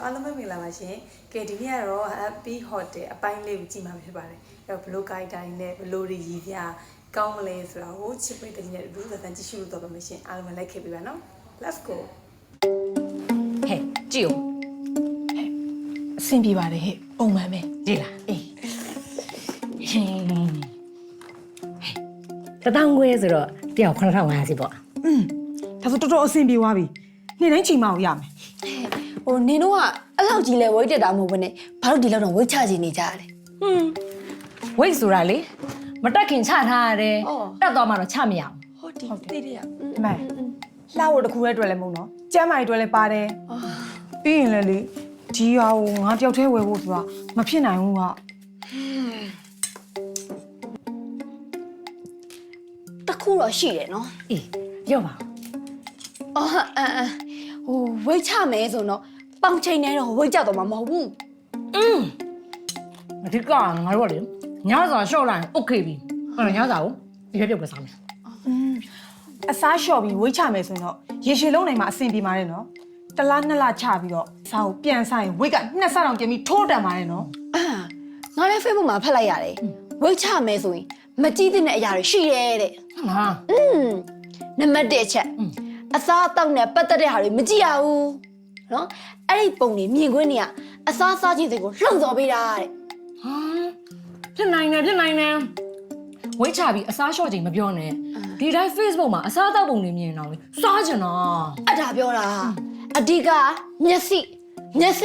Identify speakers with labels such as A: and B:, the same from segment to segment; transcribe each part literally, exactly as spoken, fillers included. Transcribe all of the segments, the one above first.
A: အားလုံးပဲမင်္ဂလာပါရှင်။ကဲဒီနေ့ကတော့ Happy Hotel အပိုင်းလေးကိုကြည့်မှာဖြစ်ပါတယ်။အဲ့တော့ဘလိုကိုက်တိုင်းနဲ့ဘလိုရည်ပြကောင်းမလဲဆိုတာကိုချစ်ပိတ်တဲ့နေ့တို့သက်တမ်းကြည့်ရှုလို့တော့ပါမယ်ရှင်။အားလုံးပဲလိုက်ခဲ့ပြီပါနော်။ Let's go
B: ။ဟဲ့ကြည့်ဦး။ဟဲ့အဆင်ပြေပါတယ်ဟဲ့ပုံမှန်ပဲကြည့်လား။အေး။ဟင်း။တထောင်ခွဲဆိုတော့တယောက်ခုနှစ်ထောင်ငါးစီပေါ့။
C: อืมဒါဆိုတော်တော်အဆင်ပြေသွားပြီနေ့တိုင်းချိန်မအောင်ရမယ်
D: ဟိုနင်တို့ကအဲ့လောက်ကြီးလဲဝိတ်တက်တာမဟုတ်ဘဲနဲ့ဘာလို့ဒီလောက်တော့ဝိတ်ချချင်နေကြရလဲ
B: ဟွန်းဝိတ်ဆိုတာလေမတက်ခင်ချထားရတယ်တက်သွားမှတော့ချမရဘူး
D: ဟုတ်တယ်သိတယ်ရ
C: ဒီမဲ့လှဖို့တစ်ခုရဲ့အတွက်လည်းမဟုတ်နော်ကျမ်းမာရေးအတွက်လည်းပါတယ်ပြီးရင်လည်းလေဒီဟာကိုငါတယောက်တည်းဝယ်ဖို့ဆိုတာမဖြစ်နိုင်ဘူးက
D: တခုတော့ရှိတယ်နော်
B: အေးပြောပါဦး
D: အော်အမ်အမ်ဟိုဝိတ်ချမယ်ဆိုတော့ပေါင်ချိန်နေတော့ဝိတ်ကြတော့မှာမဟုတ်ဘူး
B: อืมအဓိကငါတို့ကလေညစာရှော့လိုက်โอเคပြီအဲ့တော့ညစာကိုဒီပြပြုတ်ပဲစားမယ်
C: อืมအစားလျှော့ပြီးဝိတ်ချမယ်ဆိုရင်တော့ရေရှည်လုံးနိုင်မှာအဆင်ပြေပါတယ်နော်တလားနှစ်လချပြီးတော့စားကိုပြန်ဆိုင်ဝိတ်ကနှစ်ဆတောင်ပြင်ပြီးထိုးတန်ပါတယ်နော်
D: အာငါလည်း Facebook မှာဖတ်လိုက်ရတယ်ဝိတ်ချမယ်ဆိုရင်မကြည့်တဲ့အရာတွေရှိတယ်တဲ့
B: ဟုတ်လား
D: อืมနံပါတ်တစ်အချက်အစားအသောက်နဲ့ပတ်သက်တဲ့ဟာတွေမကြည့်ရဘူးနော်အဲ့ဒီပုံတွေမြင်ခွင့်နေရအစားစားခြင်းတွေကိုလှုံ့ဆော်ပေးတာတဲ့
B: ဟာဖြစ်နိုင်တယ်ဖြစ်နိုင်တယ်ဝိတ်ချပြီးအစားလျှော့ချိန်မပြောနဲ့ဒီတိုင်း Facebook မှာအစားအသောက်ပုံတွေမြင်တော့လေစားချင်တော့
D: အဲ့ဒါပြောတာအဓိကမျက်စိမျက်စိ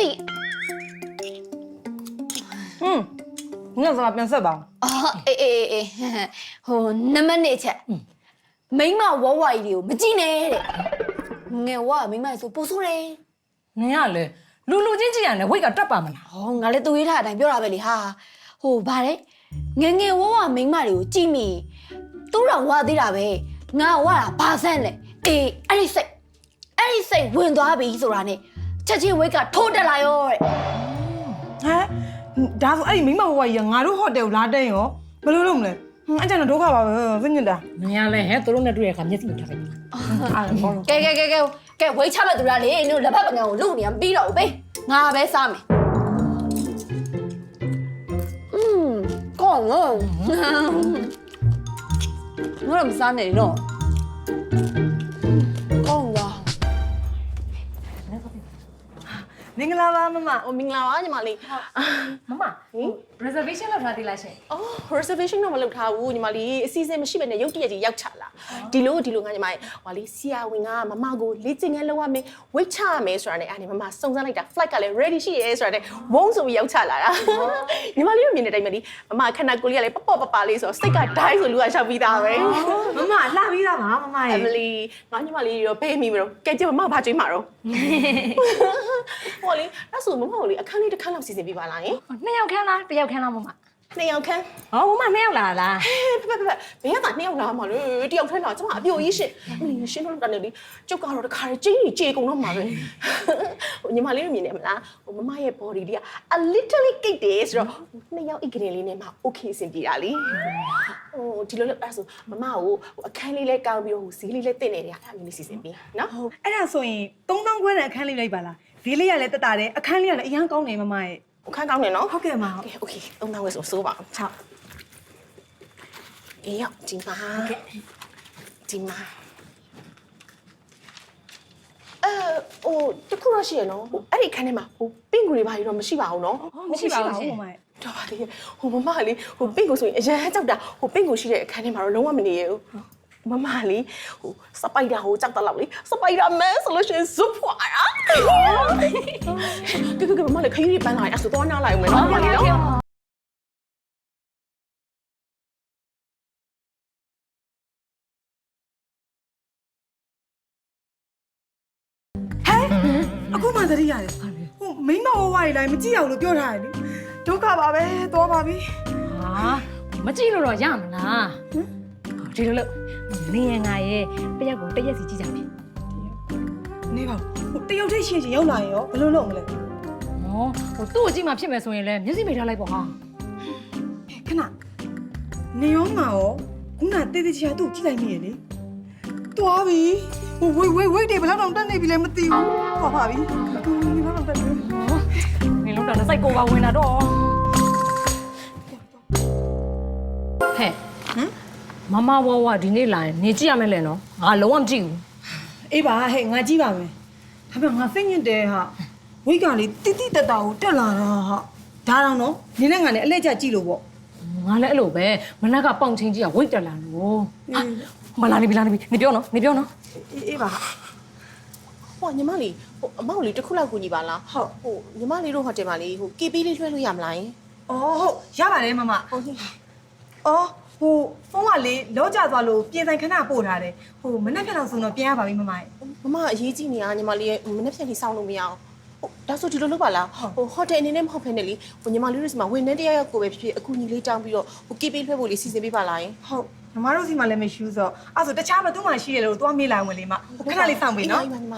C: อืมငါစားပြန်ဆက်ပါ
D: အော်အေးအေးအေးဟိုနံပါတ်နှစ်အချက်မိန်းမဝဝကြီးတွေကိုမကြည့်နဲ့တဲ့ငယ်ဝမိန်းမဆိုပို့ဆိုးတယ်
B: နင်ကလေလူလူချင်းကြည့်ရတယ်ဝိတ်ကတက်ပါမလား
D: ဟောငါလည်းသူရေးထားတဲ့အတိုင်းပြောတာပဲလေဟာဟိုဗါတဲ့ငယ်ငယ်ဝဝမိန်းမတွေကိုကြည့်မိသူ့တော်ဝသေးတာပဲငါဝတာဘာဆန်းလဲအေးအဲ့ဒီစိတ်အဲ့ဒီစိတ်ဝင်သွားပြီဆိုတာနဲ့ချက်ချင်းဝိတ်ကထိုးတက်လာရောတဲ့
C: ဟမ်ဒါဆိုအဲ့ဒီမိမဘဝကြီးကငါတို့ဟိုတယ်ကိုလာတဲ့ရောဘယ်လိုလုပ်မလဲအဲ့ကျန်တော့ဒုက္ခပါပဲစိတ်ညစ်တာ
B: နင်ကလေဟဲ့သူတို့နဲ့တွေ့ရခါမျက်စိမထားလိုက်ဘူး
C: အားလုံးဘောလုံး
D: ကဲကဲကဲကဲကဲဝိတ်ချမဲ့သူလားလေနင်တို့လက်ဖက်ပကံကိုလူနေရမပြီးတော့ဘူးဘေးငါပဲစားမယ်อืมကောင်းနော်ငါမစားနဲ့နော်ကောင်းလား
C: မင်္ဂလာပါမမ
E: 哦，明啦，你妈哩。
B: မမ reservation လုပ်ထားသေးလားရှင်
E: 哦 ，reservation တော့မလုပ်ထားဘူးညီမလေးအစီအစဉ်မရှိဘဲနဲ့ရုတ်တရက်ကြီးရောက်ချလာဒီလိုဒီလိုငါညီမလေးဟိုလေးဆီယာဝင်ကမမကိုလေ့ကျင့်ခန်းလုပ်ရမယ်ဝိတ်ချရမယ်ဆိုတာနဲ့အဲ့ဒီမမစုံစမ်းလိုက်တာ flight ကလည်း ready ရှိရဲဆိုတာနဲ့ဝုန်းဆိုပြီးရောက်ချလာတာညီမလေးတို့မြင်တဲ့အတိုင်းပဲလေမမခန္ဓာကိုယ်လေးကလည်းပပပပလေးဆိုတော့စိတ်ကဒိုင်းဆိုလူကရှောက်ပြီးသားပဲ
C: မမလှပြီးသားပါမမ
E: အ
C: ရဲ့
E: မလီငါညီမလေးရောပေးမိမလို့ကဲကြည့်မမဘာကြွေးမှာတော့ဟိုလေအဲ့ဆိုမမကိုလေအခန်းလေးတစ်ခန်းလောက်စီစဉ်ပေးပါလားယင်
B: နှစ်ယောက်ခန်းလားတစ်ယောက်ခန်းလားမမ
E: နှစ်ယောက်ခန်း
B: ဟောမမနှစ်ယောက်လာလား
E: ဖဖဖဘယ်ကနှစ်ယောက်လာမှာလဲတယောက်ထဲလာကျမအပြိုကြီးရှင်းအမလီရှင်းတော့တန်းနေလေကျုပ်ကတော့တခါကျင်းကြီးကြေကုန်တော့မှာပဲဟိုညီမလေးတို့မြင်နေမလားဟိုမမရဲ့ body လေးက a little cake တယ်ဆိုတော့နှစ်ယောက်အိတ်ကလေးလေးနဲ့မှ okay အဆင်ပြေတာလေဟိုဒီလိုလို့အဲ့ဆိုမမကိုဟိုအခန်းလေးလဲကောင်းပြီးတော့ဟိုဈေးလေးလဲတင့်နေတယ်အဲ့မျိုးလေးစီစဉ်ပြီးနော်
C: အဲ့ဒါဆိုရင်သုံးသောင်းခွဲတဲ့အခန်းလေးလိုက်ပါလားဈေးလေးကလည်းတက်တာတယ်အခန်းလေးကလည်းအရန်ကောင်းတယ်မမရဲ့
E: အခန်းကောင်းနေနော်
C: ဟုတ်ကဲ့မ
E: okay okay သုံးတောင်းဝယ်ဆိုစိုးပါအောင်
C: ဟုတ်
E: အေးရောက်ဒီမှာဒီမှာအဲဟိုတခုတော့ရှိရနော်ဟိုအဲ့ဒီခန်းထဲမှာဟိုပင့်ကူတွေဘာကြီးတော့မရှိပါဘူးနော်
B: မရှိပါဘူးရှင်
C: မမရဲ့
E: တော်ပါလေဟိုမမလေးဟိုပင့်ကူဆိုရင်အရန်ကြောက်တာဟိုပင့်ကူရှိတဲ့အခန်းထဲမှာတော့လုံးဝမနေရဘူးမမလေးဟိုစပိုက်ဒါဟိုကြောက်တလောက်လေစပိုက်ဒါမန်ဆိုလို့ရှိရင်ဇွတ်ဖွာတာကဲကဲမမလေးခရီးပန်းလာရင်အဲ့ဆိုတော့နားလိုက်အောင်မယ်နော်မမလေးနော်
C: အခုမှသတိရတယ်ဟိုမိမဘဝကြီးလိုက်မကြည့်အောင်လို့ပြောထားတယ်လေဒုက္ခပါပဲတော့ပါပြီ
B: ဟာမကြည့်လို့တော့ရမလားဒီလိုလို့နေရငါရဲ့တယောက်ကိုတရက်စီကြည့်ကြမယ်
C: နေပါဟိုတယောက်တည်းရှင်ရှင်ရောက်လာရင်ရောဘယ်လိုလုပ်မလဲ
B: ဟောဟိုသူ့ကိုကြည့်မှဖြစ်မယ်ဆိုရင်လည်းမျက်စိမိထားလိုက်ပေါ့ဟာ
C: ခဏနေရောငါရောခုနတေးသေးချာသူ့ကြည့်လိုက်မိရလေတွားပြီဟိုဝိတ်ဝိတ်ဝိတ်တွေဘယ်လောက်တောင်တက်နေပြီလဲမသိဘူးဟောပါပြီဒီဘက်တော့တက်နေ
B: ဟောဆိုင်ကိုပါဝင်တာတော့ဟဲ့ဟမ်မမဝဝဒီနေ့လာရင်နေကြည့်ရမယ်လေနော်ငါလုံးဝမကြည့်ဘူး
C: အေးပါဟဲ့ငါကြည့်ပါမယ်ဒါပေမဲ့ငါစိတ်ညစ်တယ်ဟာဝိတ်ကလေတိတိတတ်တာကိုတက်လာတာဟာဒါတော့နော်နင်းနဲ့ငါနဲ့အလဲကျကြည့်လို့ပေါ့
B: ငါလည်းအဲ့လိုပဲမနက်ကပေါင်ချင်းကြီးကဝိတ်တက်လာလို့မလာနေပြီလာနေပြီနေပြောနော်နေပြောနော်
C: အေးအေးပါ
E: ဟိုညီမလေးဟိုအမောက်လေးတစ်ခုလောက်ကူညီပါလားဟုတ်ဟိုညီမလေးတို့ဟိုတယ်မှာလေးဟို ကေ ပီ လေးလွှဲလို့ရမလားယင်
C: အော်ဟုတ်ရပါတယ်မမ
E: ဟုတ်ကဲ့
C: အော်ဟိုဖုန်းကလေလောကျသွားလို့ပြင်ဆိုင်ခဏပို့ထားတယ်ဟိုမနေ့ကလောက်ဆိုတော့ပြင်ရပါပြီမမရဲ့
E: မမအရေးကြီးနေရညီမလေးရဲ့မနေ့ဖြန်လေးစောင်းလို့မရအောင်ဟိုဒါဆိုဒီလိုလုပ်ပါလားဟိုဟိုတယ်အနေနဲ့မဟုတ်ဖ ೇನೆ လေဟိုညီမလေးတို့စီမှာဝန်ထမ်းတရားရောက်ကိုပဲဖြစ်ဖြစ်အခုညီလေးတောင်းပြီးတော့ဟို ကေ ပီ လွှဲဖို့လေးစီစဉ်ပေးပါလားယင်
C: ဟုတ်ညီမတို့စီမှာလည်းမရှိဘူးဆိုတော့အဲ့ဆိုတခြားဘသူမှရှိတယ်လို့သွားမေးလိုက်ဝင်လေမခဏလေးစောင့်ပေးနော်ဟုတ်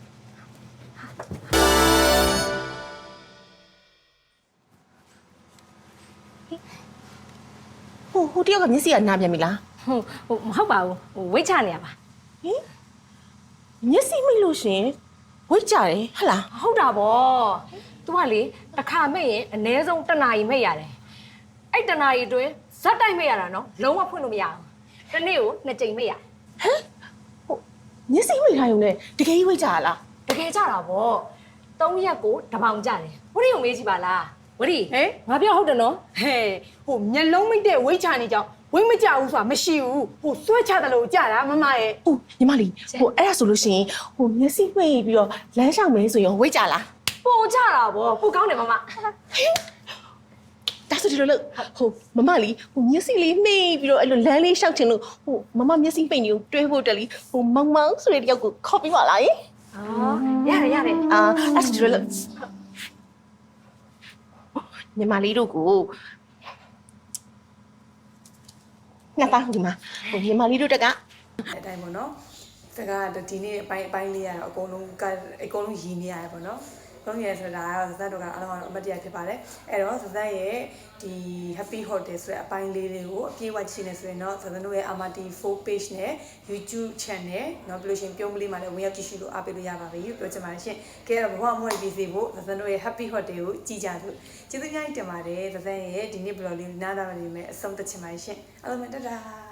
E: ဟိုဟိုတယောက်ကမျက်စိကနားပြန်ပြီလား
B: ဟုတ်ဟိုမဟုတ်ပါဘူးဟိုဝိတ်ချနေရပါ
E: ဟင်မျက်စိမိတ်လို့ရှင်ဝိတ်ကြတယ်ဟဟလား
B: ဟုတ်တာဗော तू ကလေတစ်ခါမဲ့ရင်အနည်းဆုံးတစ်နာရီမဲ့ရတယ်အဲ့တစ်နာရီအတွင်းဇက်တိုက်မဲ့ရတာနော်လုံးဝဖွင့်လို့မရဘူးတစ်နေ့ကိုနှစ်ကြိမ်မဲ့ရ
E: ဟိုမျက်စိမိတ်ထားရုံနဲ့တကယ်ကြီးဝိတ်ကြရလား
B: တကယ်ကြတာဗောသုံးရက်ကိုတစ်ပေါင်ကြတယ်ဝရီကိုမေးကြည့်ပါလားဝရီ
C: ဟဲ့
B: ငါပြောဟုတ်တယ်နော်
C: ဟဲ့ဟိုမျက်လုံးမိတ်တဲ့ဝိတ်ချနေကြောင်ဝိတ်မကြဘူးဆိုတာမရှိဘူးဟိုဆွဲချတယ်လို့ကြတာမမရဲ့
E: ။အိုးညီမလေးဟိုအဲ့ဒါဆိုလို့ရှိရင်ဟိုမျက်စိမှိတ်ပြီးတော့လမ်းလျှောက်မယ်ဆိုရင်ဝိတ်ကြလား
B: ပိုကြတာဗောပိုကောင်းတယ်မမ
E: ။ဒါဆိုဒီလိုလို့ဟိုမမလေးဟိုမျက်စိလေးမှိတ်ပြီးတော့အဲ့လိုလမ်းလေးလျှောက်ချင်လို့ဟိုမမမျက်စိမှိတ်နေကိုတွဲဖို့တက်လीဟိုမောင်မောင်ဆိုတဲ့တယောက်ကိုခေါ်ပြီးပါလားယင်
B: အော်ရတယ်ရတယ်
E: ။အာအဲ့ဒါဆိုဒီလိုလို့ညီမလေးတို့ကိုငါသားဒီမှာဟိုညီမလေးတို့တက်က
A: အတိုင်းပေါ့နော်တကဒီနေ့အပိုင်းအပိုင်းလေးရတော့အကုန်လုံးကအကုန်လုံးရည်နေရတယ်ပေါ့နော်လုံးရဲဆိုတာကတော့ဇက်တို့ကအလုံးကတော့အမတ်တရားဖြစ်ပါတယ်အဲ့တော့ဇက်ရဲ့ဒီ happy hotel ဆိုတဲ့အပိုင်းလေးတွေကိုအပြည့်အဝကြည့်နေဆိုရင်တော့ဇက်တို့ရဲ့ Amati โฟร์ page နဲ့ YouTube channel နော်ပြီးလို့ရှိရင်ပြုံးကလေးမှာလည်းဝင်ရောက်ကြည့်ရှုလို့အားပေးလို့ရပါပြီပြောချင်ပါတယ်ရှင်ကဲတော့ဘဝမွေးပြီးစေဖို့ဇက်တို့ရဲ့ happy hotel ကိုကြည့်ကြလို့ကျေးဇူးများတင်ပါတယ်ဇက်ရဲ့ဒီနေ့ blog လေးနားသားရနေမယ်အဆုံးသတ်ချင်ပါတယ်ရှင်အားလုံးပဲတတာ